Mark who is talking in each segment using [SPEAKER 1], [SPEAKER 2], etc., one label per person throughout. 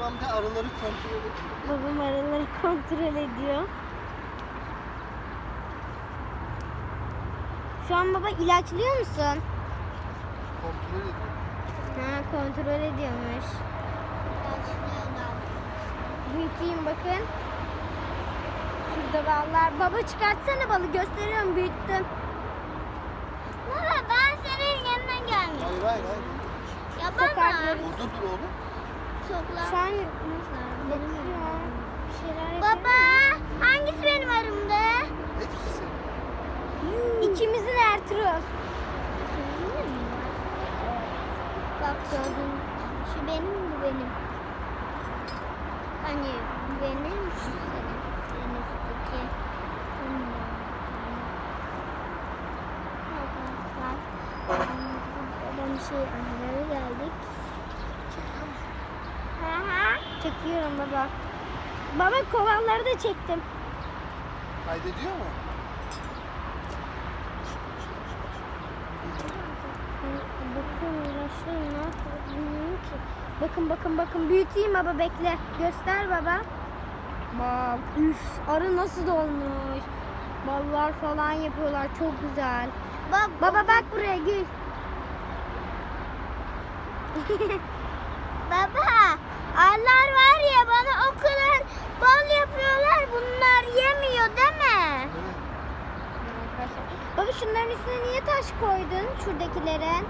[SPEAKER 1] Babam da arıları kontrol ediyor.
[SPEAKER 2] Babam arıları kontrol ediyor. Şu an baba ilaçlıyor musun?
[SPEAKER 1] Kontrol ediyor.
[SPEAKER 2] Ha, kontrol ediyormuş. Büyüteyim bakın. Şurada ballar. Baba çıkartsana balı, gösteriyorum, büyüttüm.
[SPEAKER 3] Baba ben senin yanına gelmiştim.
[SPEAKER 1] Hayır.
[SPEAKER 3] Ya baba.
[SPEAKER 2] Sokakları.
[SPEAKER 1] Orada dur oğlum.
[SPEAKER 3] Soklar.
[SPEAKER 2] Şu an bakıyor. Bir şeyler yapıyor.
[SPEAKER 3] Baba hangisi benim arımda?
[SPEAKER 1] Hepsi senin.
[SPEAKER 2] İkimizin Ertuğrul.
[SPEAKER 3] Bak gördün. Şu benim, bu benim. Hani bu benim, şu senin. En üstteki. Babam arılara geldik.
[SPEAKER 1] Çekiyor musun?
[SPEAKER 2] Çekiyorum baba. Baba kovalları da çektim.
[SPEAKER 1] Kaydediyor mu?
[SPEAKER 2] Bakın uğraşıyorum, ne yapıyor bilmiyorum ki. Bakın büyüteyim baba, bekle. Göster baba. Bak üf, arı nasıl dolmuş. Ballar falan yapıyorlar, çok güzel.
[SPEAKER 3] Bak
[SPEAKER 2] Baba bak buraya, gül.
[SPEAKER 3] baba, arılar var ya bana o kadar bal yapıyorlar, bunlar yemiyor değil mi?
[SPEAKER 1] Evet.
[SPEAKER 2] Baba şunların üstüne niye taş koydun, şuradakilerin?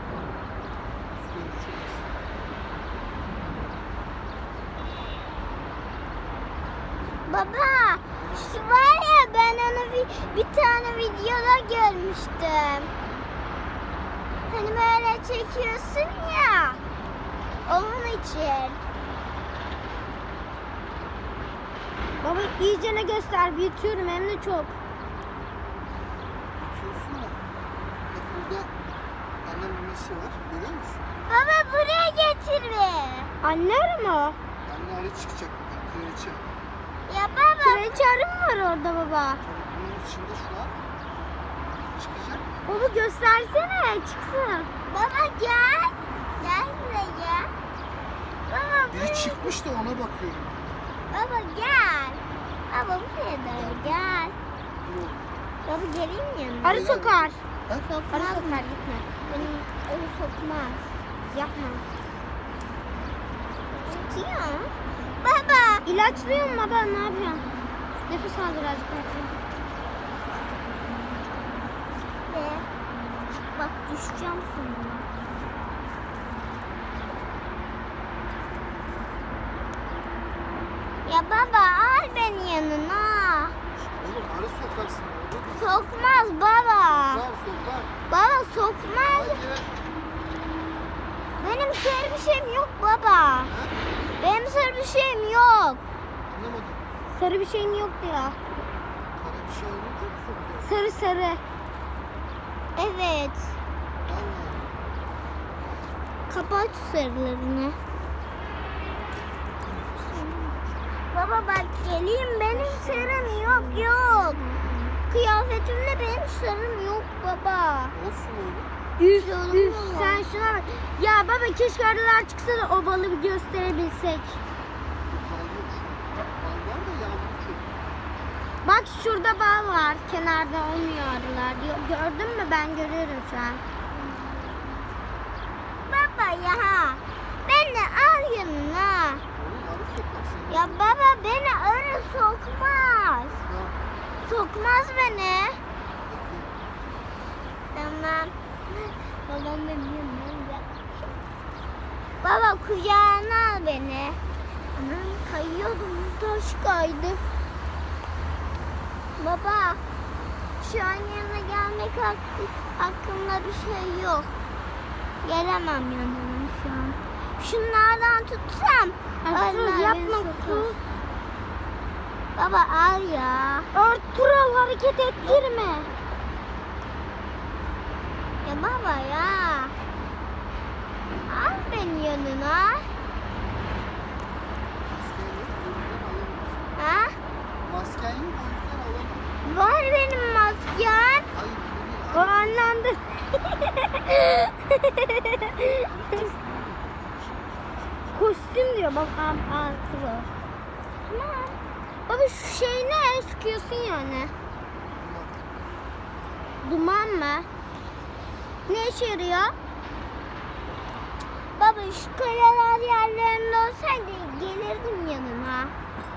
[SPEAKER 3] Baba, şu var ya ben onu bir tane videoda görmüştüm. Hani böyle çekiyorsun ya. Onun için.
[SPEAKER 2] Baba iyicene göster, büyütüyorum hem de çok.
[SPEAKER 1] Bakıyorsun ya. Bak burada anne memesi var. Görüyor musun?
[SPEAKER 3] Baba buraya getir be.
[SPEAKER 2] Anne arı mı o?
[SPEAKER 1] Anne arı çıkacak. Kraliçe.
[SPEAKER 3] Ya baba.
[SPEAKER 2] Kraliçe arı mı var orada baba?
[SPEAKER 1] Tabii bunun içinde şu an çıkacak.
[SPEAKER 2] Baba göstersene, çıksın.
[SPEAKER 3] Baba gel. Gel buraya. Baba
[SPEAKER 1] Biri
[SPEAKER 3] buraya.
[SPEAKER 1] çıkmış da ona bakıyorum.
[SPEAKER 3] Baba gel. Baba buraya doğru gel.
[SPEAKER 1] Dur oğlum.
[SPEAKER 3] Baba geleyim yanına.
[SPEAKER 2] Arı sokar.
[SPEAKER 1] Ha?
[SPEAKER 2] Arı sokar, gitme.
[SPEAKER 3] Benim öyle sokmaz.
[SPEAKER 2] Yapma.
[SPEAKER 3] Tutuyor. Baba.
[SPEAKER 2] İlaçlıyor mu baba, ne yapıyorsun? Nefes al birazcık.
[SPEAKER 3] Ve bak düşeceğim sonra. Ya baba al beni yanına.
[SPEAKER 1] Oğlum arı sokarsın orada.
[SPEAKER 3] Sokmaz baba.
[SPEAKER 1] Sokar.
[SPEAKER 3] Baba sokmaz.
[SPEAKER 1] Hayır.
[SPEAKER 3] Benim sarı bir şeyim yok baba.
[SPEAKER 1] Ha?
[SPEAKER 3] Benim sarı bir şeyim yok.
[SPEAKER 1] Anlamadım.
[SPEAKER 2] Sarı bir şeyim yok diyor.
[SPEAKER 1] Kara bir şey olunca mı sokuyor?
[SPEAKER 2] Sarı sarı.
[SPEAKER 3] Evet.
[SPEAKER 1] Allah.
[SPEAKER 3] Kapat sarılarını. Baba bak geleyim, benim sarım yok. Kıyafetimde benim sarım yok baba.
[SPEAKER 1] Olsun oğlum.
[SPEAKER 2] Üf
[SPEAKER 3] Canım
[SPEAKER 2] üf,
[SPEAKER 3] var.
[SPEAKER 2] sen şuna bak. Ya baba keşke arılar çıksa da o balı bir gösterebilsek.
[SPEAKER 1] Bal yok şu an. Bal var da yağmur çok.
[SPEAKER 2] Bak şurada bal var. Kenarda olmuyor arılar. Gördün mü? Ben görüyorum şu an.
[SPEAKER 3] Baba ya, beni al yanına.
[SPEAKER 1] Oğlum arı sokarsın.
[SPEAKER 3] Ya baba beni arı sokmaz.
[SPEAKER 1] Ya,
[SPEAKER 3] Sokmaz beni.
[SPEAKER 1] bakayım.
[SPEAKER 3] Tamam. Babam benim yanımda. Baba kucağına al beni. Anam kayıyordum, taş kaydı. Baba şu an yanına gelmek hakkında bir şey yok. Gelemem yanına şu an. Şunlardan tutsam.
[SPEAKER 2] Ertuğrul
[SPEAKER 3] arılar
[SPEAKER 2] yapma,
[SPEAKER 3] beni sokar.
[SPEAKER 2] sus.
[SPEAKER 3] Baba al ya.
[SPEAKER 2] Ertuğrul hareket ettirme.
[SPEAKER 3] Ya baba ya. Al beni yanına.
[SPEAKER 1] Masken yok, o yüzden alamam. Masken
[SPEAKER 3] Ha?
[SPEAKER 1] yok, o yüzden alamam.
[SPEAKER 3] Var benim maskem.
[SPEAKER 1] Hayır,
[SPEAKER 2] O anlandı.
[SPEAKER 3] Kostüm
[SPEAKER 2] Sıktım diyor bak artıyor.
[SPEAKER 3] Tamam.
[SPEAKER 2] Baba şu şey ne? Sıkıyorsun yani. Duman mı? Ne işe yarıyor?
[SPEAKER 3] Baba şu kayalar yerlerinde olsaydı gelirdim yanına.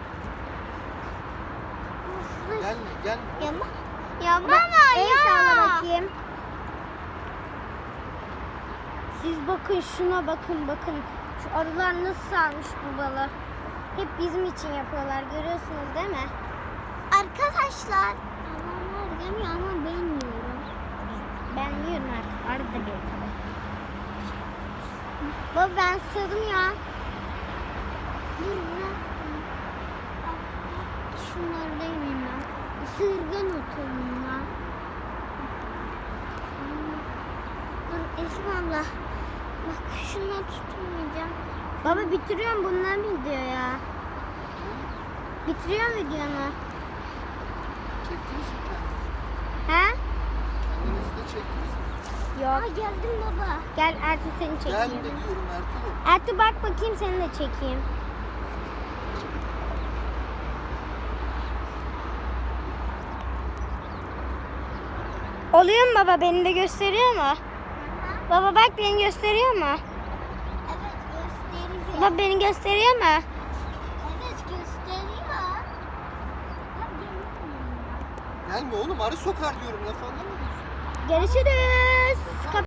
[SPEAKER 1] Gelme gelme.
[SPEAKER 3] Ya baba
[SPEAKER 2] El
[SPEAKER 3] ya.
[SPEAKER 2] salla bakayım. Siz bakın şuna bakın. Şu arılar nasıl sarmış bu balı. Hep bizim için yapıyorlar. Görüyorsunuz değil mi?
[SPEAKER 3] Arkadaşlar. Adamlar yemiyor ama ben yiyorum.
[SPEAKER 2] Ben yiyorum artık. Arı da bir tabii. Baba ben sığdım ya.
[SPEAKER 3] Dur bırak. Şunları da yemeyeyim ben. Isırgan otu bunlar. Dur Esma abla. Bak şunları tutmayacağım.
[SPEAKER 2] Baba bitiriyorum bundan video ya. Bitiriyorum videonu.
[SPEAKER 1] Çektiniz mi kendinizi?
[SPEAKER 2] He?
[SPEAKER 1] Kendinizi de çektiniz mi?
[SPEAKER 2] Yok.
[SPEAKER 3] Aa geldim baba.
[SPEAKER 2] Gel Ertuğ seni
[SPEAKER 1] Gelme
[SPEAKER 2] çekeyim.
[SPEAKER 1] diyorum Ertuğrul.
[SPEAKER 2] Ertuğ bak bakayım seni de çekeyim. Oluyor mu baba? Beni de gösteriyor mu? Baba bak beni gösteriyor mu?
[SPEAKER 3] Evet gösteriyor.
[SPEAKER 2] Baba beni gösteriyor mu?
[SPEAKER 3] Evet gösteriyor. Bak gelmiyor.
[SPEAKER 1] Gelme oğlum arı sokar diyorum laf anlamıyor musun?
[SPEAKER 2] Görüşürüz.